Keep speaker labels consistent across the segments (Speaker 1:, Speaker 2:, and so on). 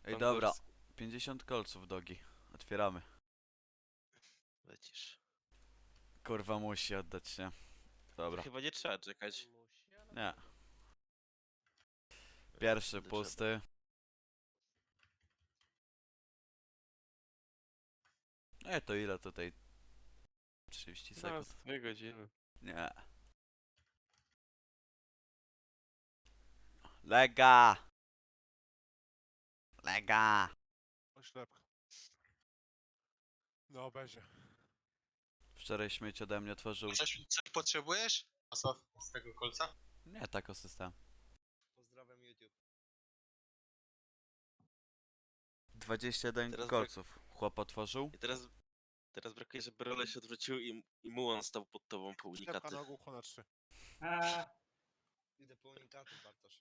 Speaker 1: Ej, dobra.
Speaker 2: Konkurs.
Speaker 1: 50 kolców, dogi. Otwieramy.
Speaker 2: Lecisz.
Speaker 1: Kurwa, musi oddać, nie? Dobra.
Speaker 2: Chyba nie trzeba czekać.
Speaker 1: Nie. Pierwszy
Speaker 2: Wtedy trzeba.
Speaker 1: pusty. To ile tutaj? 30
Speaker 2: No,
Speaker 1: sekund.
Speaker 2: z 2 godziny.
Speaker 1: Nie. Lega! Lega!
Speaker 3: Oślepka. No, będzie.
Speaker 1: Wczoraj śmieć ode mnie tworzył...
Speaker 4: Coś potrzebujesz? Asław, z tego kolca?
Speaker 1: Nie, tak o system.
Speaker 4: Pozdrawiam YouTube.
Speaker 1: 21
Speaker 2: Teraz
Speaker 1: kolców. Chłop otworzył.
Speaker 2: I teraz brakuje, żeby role się odwrócił i Muon stał pod tobą po
Speaker 3: Oślepka
Speaker 2: unikaty.
Speaker 3: na ogół na 3.
Speaker 4: Idę po unikatu, Bartosz.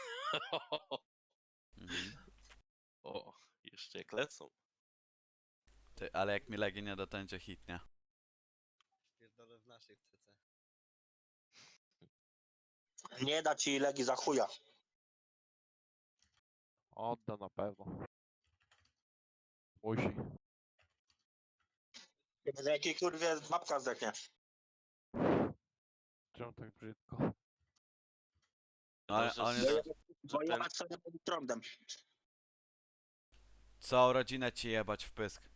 Speaker 1: Mhm.
Speaker 2: O, jeszcze jak lecą.
Speaker 1: Ty, ale jak mi legi nie da, to będzie hit, nie?
Speaker 4: Pierdolę w naszej CC.
Speaker 5: Nie da ci legi za chuja.
Speaker 6: Odda na pewno. Musi.
Speaker 5: Za jakiej kurwie mapka zdechnie.
Speaker 6: Czemu tak brzydko?
Speaker 1: No, ale
Speaker 2: Dobrze,
Speaker 1: on
Speaker 2: że-
Speaker 1: jest...
Speaker 5: Bo
Speaker 2: ten-
Speaker 5: jebać sobie pod trądem.
Speaker 1: Całą rodzinę ci jebać w pysk.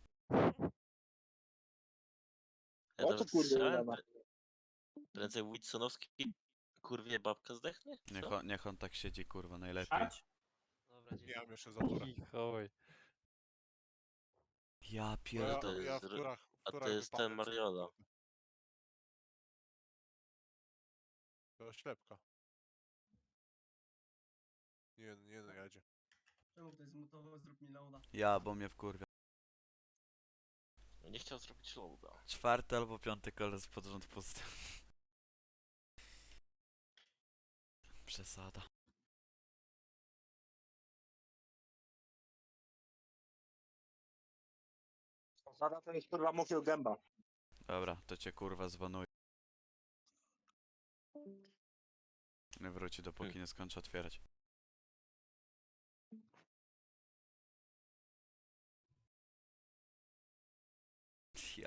Speaker 2: Ja
Speaker 5: O co
Speaker 2: nawet
Speaker 5: kurde
Speaker 2: strzelałem,
Speaker 5: jeba?
Speaker 2: prędzej Wilsonowski kurwie babka zdechnie? Co?
Speaker 1: Niech on tak siedzi, kurwa, najlepiej.
Speaker 3: Nie mam jeszcze za turę.
Speaker 6: Michałej.
Speaker 1: Ja
Speaker 3: Bo
Speaker 1: pierdolę.
Speaker 3: ja
Speaker 2: to
Speaker 3: w
Speaker 2: jest
Speaker 3: turach,
Speaker 2: a to jest
Speaker 3: wypadłem
Speaker 2: ten
Speaker 3: sobie.
Speaker 2: Mariola.
Speaker 3: To oślepka. Nie no, jedzie.
Speaker 7: Czemu ktoś zmutował, zrób mi loada.
Speaker 1: Ja, bo mnie wkurwia.
Speaker 2: Nie chciał zrobić loada.
Speaker 1: 4. albo 5. kolec pod rząd pusty. Przesada.
Speaker 5: Zaraz to jest kurwa mówił gęba.
Speaker 1: Dobra, to cię kurwa zbanuję. Nie wróci dopóki nie skończę otwierać. Ja.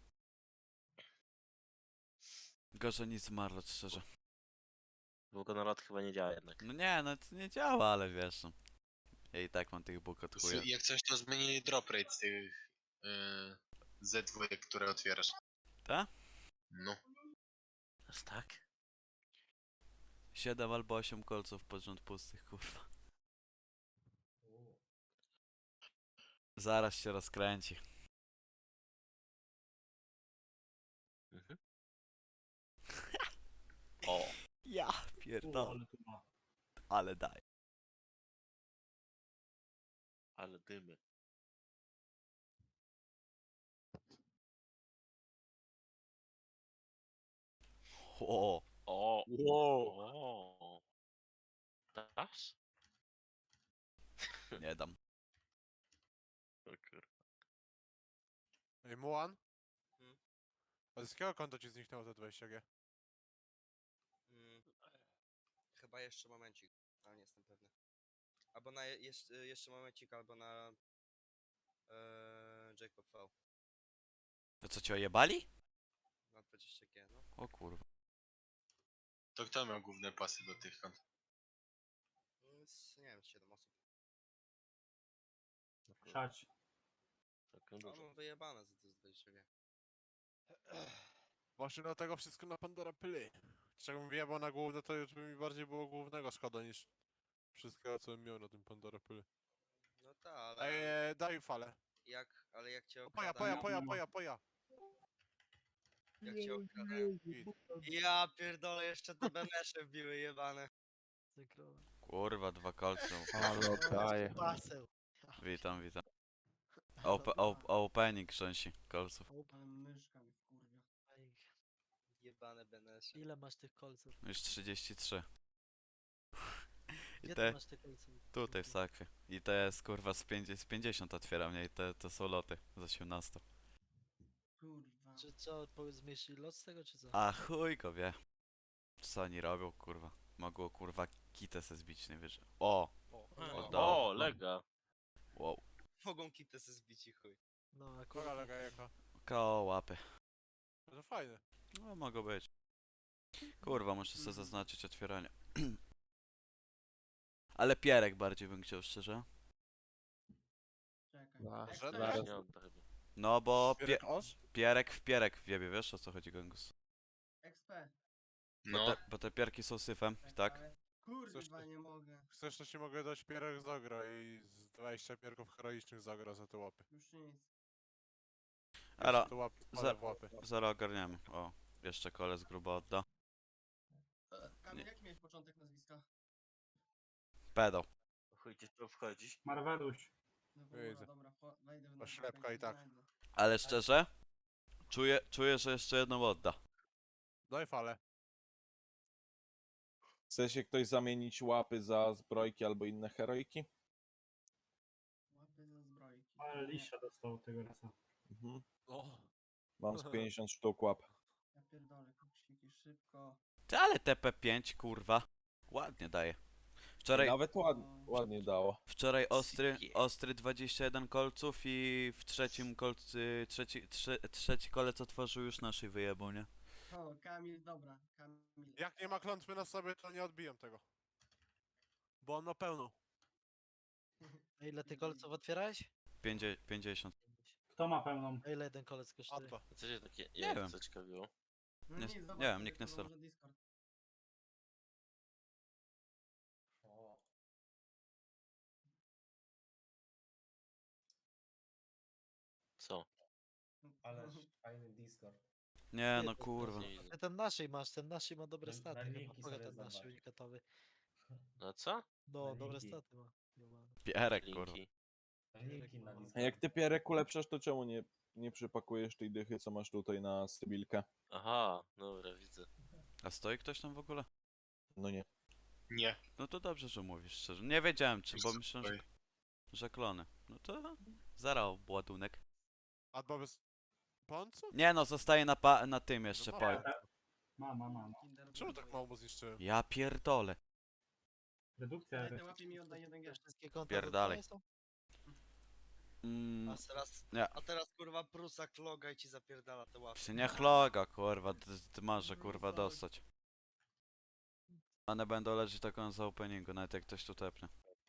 Speaker 1: Gorzej niż zmarłać, szczerze.
Speaker 2: Długo na lat chyba nie działa jednak.
Speaker 1: No nie, no to nie działa, ale wiesz. No. Ja i tak mam tych bóg od chuja.
Speaker 4: Jak coś, to zmienili drop rate z tych Z2, które otwierasz.
Speaker 1: Ta?
Speaker 4: No.
Speaker 2: Jest tak?
Speaker 1: 7 albo 8 kolców pod rząd pustych, kurwa. Zaraz się rozkręci.
Speaker 2: Mhm. O,
Speaker 1: Ja pierdolę. Ale daj.
Speaker 2: ale dymy.
Speaker 1: O,
Speaker 2: O, o. Dasz?
Speaker 1: nie dam.
Speaker 2: O kurwa.
Speaker 3: Ej, Muan?
Speaker 4: Hmm?
Speaker 3: A z jakiego konta ci zniknęło te 20G?
Speaker 4: Chyba jeszcze momencik, ale nie jestem pewny. Albo na jeszcze momencik, albo na Jacob V.
Speaker 1: To co, cię ojebali?
Speaker 4: Na 20G, no.
Speaker 1: O kurwa.
Speaker 4: To kto miał główne pasy do tych kont? Nie wiem, 7 osób.
Speaker 7: Szać.
Speaker 2: Całkiem
Speaker 4: No,
Speaker 2: dużo.
Speaker 4: mam wyjebane za to z 20G.
Speaker 3: Właśnie dlatego wszystko na Pandora pyli. Czego bym wyjebał na główne, to już by mi bardziej było głównego szkoda niż wszystkiego, co bym miał na tym Pandora pyli.
Speaker 4: No tak, ale
Speaker 3: Daj falę.
Speaker 4: jak cię
Speaker 3: Poja,
Speaker 4: okradają,
Speaker 3: poja.
Speaker 4: jak cię okradają.
Speaker 3: Git.
Speaker 4: Ja pierdolę, jeszcze te bemesze wbiły jebane.
Speaker 1: Kurwa, 2 kolce.
Speaker 6: Ale oddaje.
Speaker 7: Baseł.
Speaker 1: Witam, witam. Opening krząsi kolców.
Speaker 7: Ale myszka mi wkurwia.
Speaker 4: Jebane benesze.
Speaker 8: Ile masz tych kolców?
Speaker 1: Już 33. I
Speaker 8: Gdzie
Speaker 1: te
Speaker 8: ty masz te kolce?
Speaker 1: tutaj w sakwie. I te jest kurwa z 50 otwieram, nie? I to są loty z 18.
Speaker 7: Kurwa.
Speaker 8: Czy co, zmniejszyli lot z tego, czy co?
Speaker 1: A chuj go wie. Co oni robią, kurwa. Mogło kurwa kitę se zbić, nie wiesz. O!
Speaker 8: O,
Speaker 1: O,
Speaker 2: O, lega.
Speaker 4: Mogą kitę se zbić i chuj.
Speaker 8: No
Speaker 3: Koga
Speaker 8: akurat.
Speaker 3: lega jaka.
Speaker 1: Koło łapy.
Speaker 3: No to fajne.
Speaker 1: No, mogą być. Kurwa, muszę sobie zaznaczyć otwieranie. Ale pierek bardziej bym chciał, szczerze.
Speaker 7: Czekaj.
Speaker 6: Da,
Speaker 7: Jak
Speaker 3: Że-
Speaker 7: to
Speaker 6: zaraz.
Speaker 7: jest?
Speaker 2: Nie odda chyba.
Speaker 1: No bo
Speaker 3: Pierek os?
Speaker 1: pierek w pierek wiebie, wiesz o co chodzi, Gangus?
Speaker 7: XP.
Speaker 2: No.
Speaker 1: Bo te pierki są syfem, tak?
Speaker 7: Ale...
Speaker 3: Chcesz
Speaker 7: Kurwa,
Speaker 3: to-
Speaker 7: nie mogę.
Speaker 3: Chcesz, to ci mogę dać pierek z ogra i z 20 pierków heroicznych z ogra za te łapy.
Speaker 7: Już nic.
Speaker 1: Ale
Speaker 3: Jeszcze te łapy wpalę w łapy.
Speaker 1: zaraz ogarniemy. O, jeszcze koles grubo odda.
Speaker 7: Kamil, jaki miałeś początek nazwiska?
Speaker 1: Pedał.
Speaker 2: Chuj, gdzieś to wchodzić.
Speaker 7: Marweluś.
Speaker 3: Widzę.
Speaker 7: Dobra, wejdę w
Speaker 3: Oślepka i tak.
Speaker 1: Ale szczerze, czuję, że jeszcze jedną odda.
Speaker 3: Daj falę.
Speaker 9: Chce się ktoś zamienić łapy za zbrojki albo inne heroiki?
Speaker 7: Łapy ze zbrojki.
Speaker 10: Ale liścia dostał tego rasa.
Speaker 9: Mhm.
Speaker 3: O.
Speaker 9: Mam z 50 sztuk łap.
Speaker 7: Ja pierdolę, koksiki, szybko.
Speaker 1: Ty, ale TP5, kurwa. Ładnie daje. Wczoraj,
Speaker 9: Nawet ładnie dało.
Speaker 1: wczoraj ostry 21 kolców i w trzecim kolcy, trzeci kolec otworzył już naszej wyjebą, nie?
Speaker 7: O, Kamil, dobra, Kamil.
Speaker 3: Jak nie ma klątwy na sobie, to nie odbiję tego. Bo on ma pełną.
Speaker 8: A ile ty kolców otwierałeś?
Speaker 1: 50.
Speaker 10: Kto ma pełną?
Speaker 8: A ile jeden kolec kosztuje?
Speaker 3: Atba.
Speaker 2: Co się takie
Speaker 1: Nie wiem.
Speaker 2: zaciekawiło?
Speaker 7: No
Speaker 1: Nie-
Speaker 7: nic,
Speaker 1: nie
Speaker 7: zobacz
Speaker 1: wiem,
Speaker 7: sobie,
Speaker 1: nikt nie
Speaker 7: kurwa,
Speaker 1: stara.
Speaker 7: może Discord.
Speaker 2: Co?
Speaker 10: Ależ fajny Discord.
Speaker 1: Nie,
Speaker 8: Nie,
Speaker 1: no
Speaker 8: to-
Speaker 1: kurwa.
Speaker 2: Nie widzę.
Speaker 8: Ty ten naszej masz, ten naszej ma dobre
Speaker 10: Na
Speaker 8: staty. Chyba
Speaker 10: linki
Speaker 8: Poga
Speaker 10: sobie
Speaker 8: ten nasz
Speaker 10: zobacz.
Speaker 8: unikatowy.
Speaker 2: No co?
Speaker 8: No,
Speaker 10: Na
Speaker 8: dobre
Speaker 10: linki.
Speaker 8: staty ma. Jebany.
Speaker 1: Pierek, kurwa.
Speaker 2: Linki.
Speaker 10: Linki na
Speaker 9: A
Speaker 10: Discord.
Speaker 9: jak ty Pierek ulepszasz, to czemu nie przypakujesz tej dychy, co masz tutaj na Sybilkę?
Speaker 2: Aha, dobra, widzę.
Speaker 1: A stoi ktoś tam w ogóle?
Speaker 9: No nie.
Speaker 2: Nie.
Speaker 1: No to dobrze, że mówisz szczerze. Nie wiedziałem czy, bo myślę, że klony. No to zaraz ładunek.
Speaker 3: Atba bez... Poncu?
Speaker 1: Nie no, zostaje na tym jeszcze
Speaker 3: No
Speaker 1: powiem.
Speaker 10: Mama.
Speaker 7: Kinder
Speaker 3: Czemu tak
Speaker 7: Bueno.
Speaker 3: mało mu zniszczyłem?
Speaker 1: Ja pierdolę.
Speaker 10: Redukcja
Speaker 7: Daj
Speaker 10: też.
Speaker 7: te łapy mi oddaj 1G.
Speaker 8: Wszystkie konta
Speaker 1: Pierdalej.
Speaker 8: wygrane są?
Speaker 1: Mm,
Speaker 4: A teraz kurwa prusak loga i ci zapierdala te łapy.
Speaker 1: się nie chloga, kurwa. Ty masz, że kurwa dostać. One będą leżeć taką za openingu, nawet jak ktoś tu tepnie.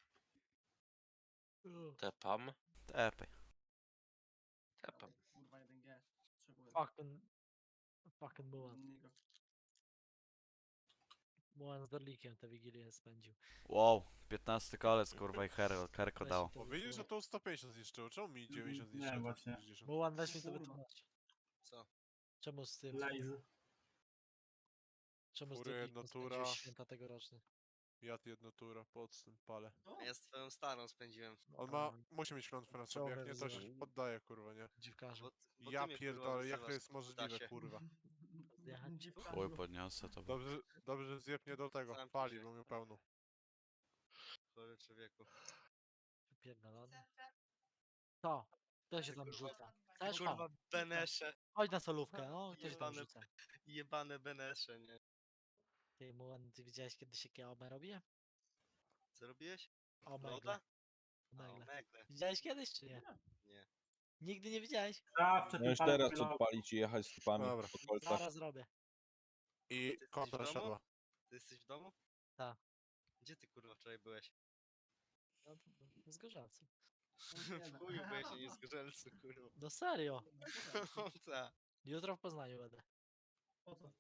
Speaker 2: Tepam.
Speaker 1: Tepaj.
Speaker 2: Tepam.
Speaker 7: Kurwa 1G. Potrzebuję.
Speaker 8: Fucking Mulan.
Speaker 7: Nigro.
Speaker 8: Mulan z Dorlikiem tę Wigilię spędził.
Speaker 1: Wow, 15 kolec, kurwa i herko dało.
Speaker 3: Bo widzisz, że to 150 zniszczyło. Czemu mi 90
Speaker 10: Nie,
Speaker 3: zniszczyło?
Speaker 10: właśnie.
Speaker 3: 60?
Speaker 8: Mulan, weź mi to
Speaker 7: Kurwa.
Speaker 8: wytłumacz.
Speaker 4: Co?
Speaker 8: Czemu z tym?
Speaker 10: Lazy.
Speaker 8: Czemu z
Speaker 3: Fury,
Speaker 8: Dorlikiem
Speaker 3: natura.
Speaker 8: spędziłeś święta tegoroczne?
Speaker 3: Jad jednotura, podstęp, palę.
Speaker 7: O,
Speaker 4: A ja z twoją starą spędziłem.
Speaker 3: On ma... Musi mieć klątwę na sobie, jak nie to się
Speaker 8: wzywa.
Speaker 3: poddaje, kurwa, nie?
Speaker 8: Dziwkarzu.
Speaker 4: Bo
Speaker 3: Ja
Speaker 4: ty mnie, kurwa,
Speaker 3: pierdolę, jak to
Speaker 4: wyzywasz,
Speaker 3: jest możliwe,
Speaker 4: Dasie.
Speaker 3: kurwa.
Speaker 8: Zjechać ci?
Speaker 1: Chuj podniosę to.
Speaker 3: Dobrze, że zjebnie do tego.
Speaker 4: Sam
Speaker 3: Pali,
Speaker 4: się.
Speaker 3: bo miał pełną.
Speaker 4: Chory człowieku.
Speaker 8: Wypierdolony. Co? Kto się tam rzuca? Chcesz?
Speaker 4: Kurwa
Speaker 8: Kurwa.
Speaker 4: benesze.
Speaker 8: Chodź na solówkę, no. Kto się tam
Speaker 4: Jebane-
Speaker 8: rzuca?
Speaker 4: Jebane benesze, nie?
Speaker 8: Ty, Mulan, ty widziałeś kiedyś jakie OME robię?
Speaker 4: Co robiłeś?
Speaker 8: Omegle.
Speaker 4: Loda? A,
Speaker 8: Omegle.
Speaker 4: omegle.
Speaker 8: Widziałeś kiedyś, czy nie?
Speaker 4: Nie.
Speaker 8: Nigdy nie widziałeś?
Speaker 10: Zawsze
Speaker 9: No już teraz odpalić i jechać z tupami
Speaker 3: Dobra.
Speaker 9: po kolcach.
Speaker 8: Zaraz zrobię.
Speaker 3: I
Speaker 4: Ty jesteś
Speaker 3: kontra
Speaker 4: w domu?
Speaker 3: siadła.
Speaker 4: Ty jesteś w domu?
Speaker 8: Tak.
Speaker 4: Gdzie ty kurwa wczoraj byłeś?
Speaker 8: No, z Gorzałcem.
Speaker 4: W chuju byłeś, a nie z Gorzelcu, kurwa.
Speaker 8: No serio.
Speaker 4: Ta.
Speaker 8: Jutro w Poznaniu będę.
Speaker 7: Po co?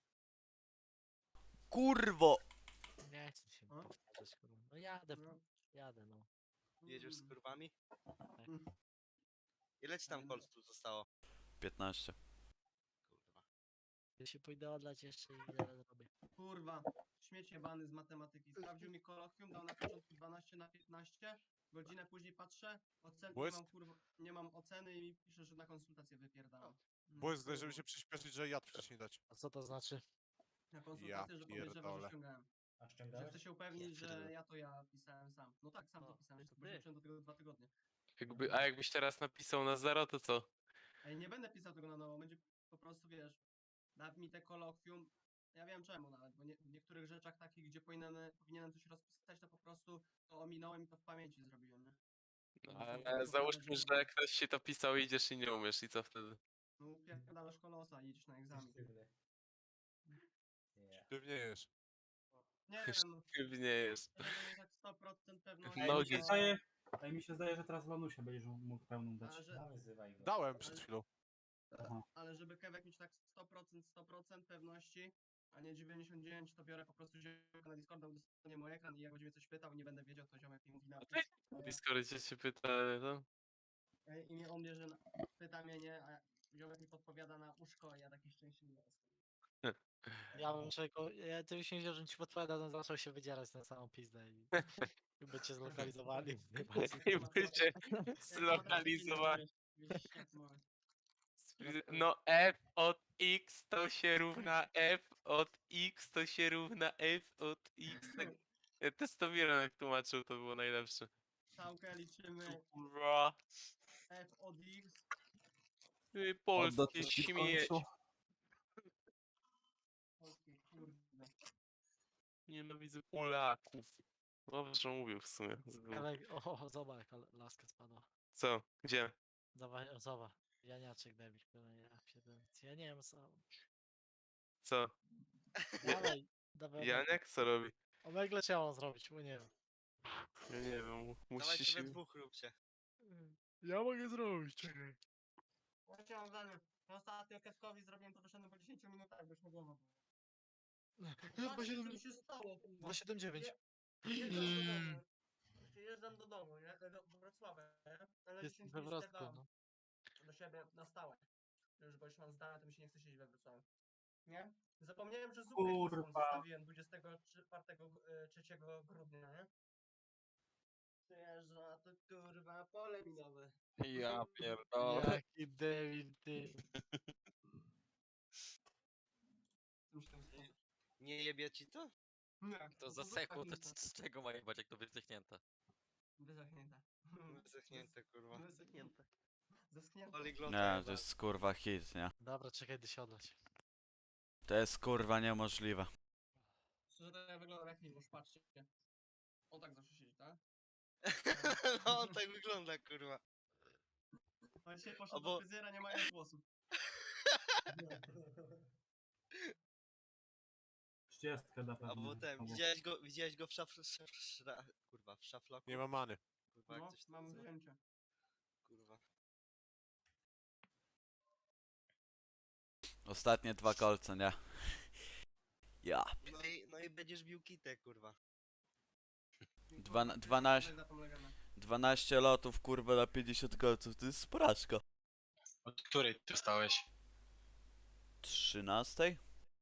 Speaker 1: Kurwo!
Speaker 8: Nie chcę się
Speaker 7: A?
Speaker 8: powtarzać, kurwa. No jadę,
Speaker 7: No.
Speaker 8: jadę, no.
Speaker 4: Jedziesz z kurwami?
Speaker 7: Mm.
Speaker 4: Ile ci tam kolców zostało?
Speaker 1: 15.
Speaker 4: Kurwa.
Speaker 8: Ja się pójdę odlać jeszcze i zaraz zrobię.
Speaker 7: Kurwa, śmieć jebany z matematyki. Sprawdził mi kolokwium, dał na początku 12 na 15. Godzinę później patrzę, ocen nie
Speaker 3: Błysk.
Speaker 7: mam, kurwa, nie mam oceny i pisze, że na konsultację wypierdalam.
Speaker 3: Błysk, daj, żeby się przyspieszyć, że jad wcześniej dać.
Speaker 8: A co to znaczy?
Speaker 7: Na konsultację, że podejrzewa,
Speaker 3: pierdolę.
Speaker 7: że ściągałem.
Speaker 10: A
Speaker 7: Że
Speaker 10: ściągałeś?
Speaker 7: chcę się upewnić, że
Speaker 2: pierdolę.
Speaker 7: ja pisałem sam. No tak, sam to
Speaker 8: O,
Speaker 7: pisałem,
Speaker 8: to
Speaker 7: bo
Speaker 8: ty.
Speaker 7: wróciłem do tego 2 tygodnie.
Speaker 11: A jakbyś teraz napisał na zero, to co?
Speaker 7: Ej, nie będę pisał tego na nowo, będzie po prostu, wiesz, da mi te kolokwium. Ja wiem czemu nawet, bo w niektórych rzeczach takich, gdzie powinienem coś rozpisać, to po prostu to ominąłem i to w pamięci zrobiłem, nie?
Speaker 11: No,
Speaker 7: Po
Speaker 11: ale Ale załóżmy, że ktoś ci to pisał, idziesz i nie umiesz i co wtedy?
Speaker 7: No upierdalasz kolosa i idziesz na egzamin.
Speaker 10: Sztywny. Nie.
Speaker 3: Sztywniejesz.
Speaker 7: Nie wiem, no.
Speaker 11: Sztywniejesz.
Speaker 7: Żeby mieć tak 100% pewności.
Speaker 11: Nogi.
Speaker 10: Ej, mi się zdaje, że teraz Lanusia będziesz mógł pełną dać.
Speaker 7: Ale że-
Speaker 10: No, wyzywaj go.
Speaker 3: Dałem przed chwilą.
Speaker 10: Aha.
Speaker 7: Ale żeby Kewek mieć tak 100% pewności, a nie 99, to biorę po prostu ziomka na Discorda, udostępnię mu ekran i jak będzie mnie coś pytał i nie będę wiedział, to ziomek mi mówi na
Speaker 11: W Discordzie się pyta, no?
Speaker 7: i nie on mnie, że pyta mnie, nie, a ziomek mi podpowiada na uszko, a ja taki szczęśliwy jestem.
Speaker 8: Ja bym czego. Ja ty byś wiedział, że ci podpowiada, no zaczął się wydzierać na samą pizdę i bycie zlokalizowani.
Speaker 11: I bycie zlokalizowani.
Speaker 7: Widzisz, jak to mamy.
Speaker 11: No F od X to się równa F od X to się równa F od X. Tak. Testowiron jak tłumaczył, to było najlepsze.
Speaker 7: Całkę liczymy
Speaker 11: Kurwa.
Speaker 7: F od X,
Speaker 11: Ty
Speaker 9: Odda
Speaker 11: polskie
Speaker 9: ci w
Speaker 11: śmieć.
Speaker 9: końcu.
Speaker 7: polskie kurde.
Speaker 11: Nienawidzę Polaków. Dobrze mówił w sumie.
Speaker 8: Kawałek, o, zobacz, jaka laska spadła.
Speaker 11: Co? Gdzie?
Speaker 8: Zobacz. Janiaczek debil, ja pierdolę. Ja nie wiem co.
Speaker 11: Co?
Speaker 8: Dawaj.
Speaker 11: Janek co robi?
Speaker 8: Omegle trzeba zrobić, bo nie wiem.
Speaker 11: Ja nie wiem,
Speaker 4: Dawaj
Speaker 11: musi
Speaker 4: sobie
Speaker 11: się...
Speaker 4: dwóch róbcie.
Speaker 8: Ja mogę zrobić, czekaj.
Speaker 7: Właśnie mam zdanie. Ja ostatnio Kewkowi zrobiłem to wyszedłem po 10 minutach, bo już nie było. Co się stało? kurwa?
Speaker 8: 279.
Speaker 7: Przyjeżdżam do domu. Przyjeżdżam do domu, nie? Do Wrocławia, nie? Ale
Speaker 8: Jest
Speaker 7: 10
Speaker 8: we
Speaker 7: minut
Speaker 8: Wrocku,
Speaker 7: spierdam
Speaker 8: no.
Speaker 7: do siebie na stałe. Już bo już mam zdane, to mi się nie chce siedzieć we Wrocławiu. Nie? Zapomniałem, że zupę chińską
Speaker 10: Kurwa.
Speaker 7: zostawiłem 3 grudnia, nie? Przyjeżdża, a to kurwa pole minowe.
Speaker 6: Ja pierdolę.
Speaker 8: Jaki debil, ty.
Speaker 7: Co mi się tam stało?
Speaker 4: Nie jebie ci to?
Speaker 7: Nie,
Speaker 12: To
Speaker 7: no
Speaker 12: zasechło, to
Speaker 7: wyschnięte.
Speaker 12: z czego ma jebać, jak to wyzdechnięte?
Speaker 7: Wyschnięte.
Speaker 4: Zechnięte, kurwa.
Speaker 7: Wyschnięte. Zeschnięte.
Speaker 4: Poliglota
Speaker 1: Nie, to
Speaker 4: jebana.
Speaker 1: jest kurwa hit, nie?
Speaker 8: Dobra, czekaj, gdy się odlać.
Speaker 1: To jest kurwa niemożliwe.
Speaker 7: Szczerze to ja wyglądam jak Miłosz, patrzcie. On tak zawsze siedzi, tak?
Speaker 4: No on tak wygląda, kurwa.
Speaker 7: A dzisiaj poszedł
Speaker 4: Albo-
Speaker 7: do fryzjera, nie mając włosów.
Speaker 10: 30 na pewno.
Speaker 4: Albo ten,
Speaker 10: Albo-
Speaker 4: widziałeś go w kurwa, w szafloku?
Speaker 3: Nie ma many.
Speaker 4: Kurwa, jak
Speaker 7: No,
Speaker 4: coś tam
Speaker 7: mam
Speaker 4: nazywa?
Speaker 7: zdjęcie.
Speaker 4: Kurwa.
Speaker 1: Ostatnie 2 kolce, nie? Ja.
Speaker 4: No i będziesz bił kitę, kurwa.
Speaker 1: 12
Speaker 7: Na tą legendę.
Speaker 1: 12 lotów, kurwa, na 50 kolców, to jest sporaczko.
Speaker 12: Od której ty stałeś?
Speaker 1: 13?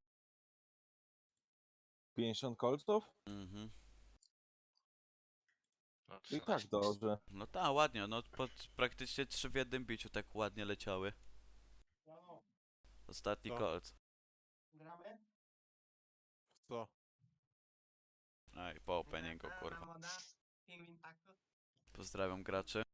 Speaker 9: 50 kolców?
Speaker 1: Mhm.
Speaker 12: No,
Speaker 9: I tak dobrze.
Speaker 1: No tak, ładnie, no praktycznie 3 w jednym biciu tak ładnie leciały.
Speaker 7: No,
Speaker 1: Ostatni
Speaker 3: Co?
Speaker 1: kolc.
Speaker 7: gramy?
Speaker 3: Co?
Speaker 1: Aj, po openingu, kurwa.
Speaker 7: Moda, pingwin taco.
Speaker 1: Pozdrawiam graczy.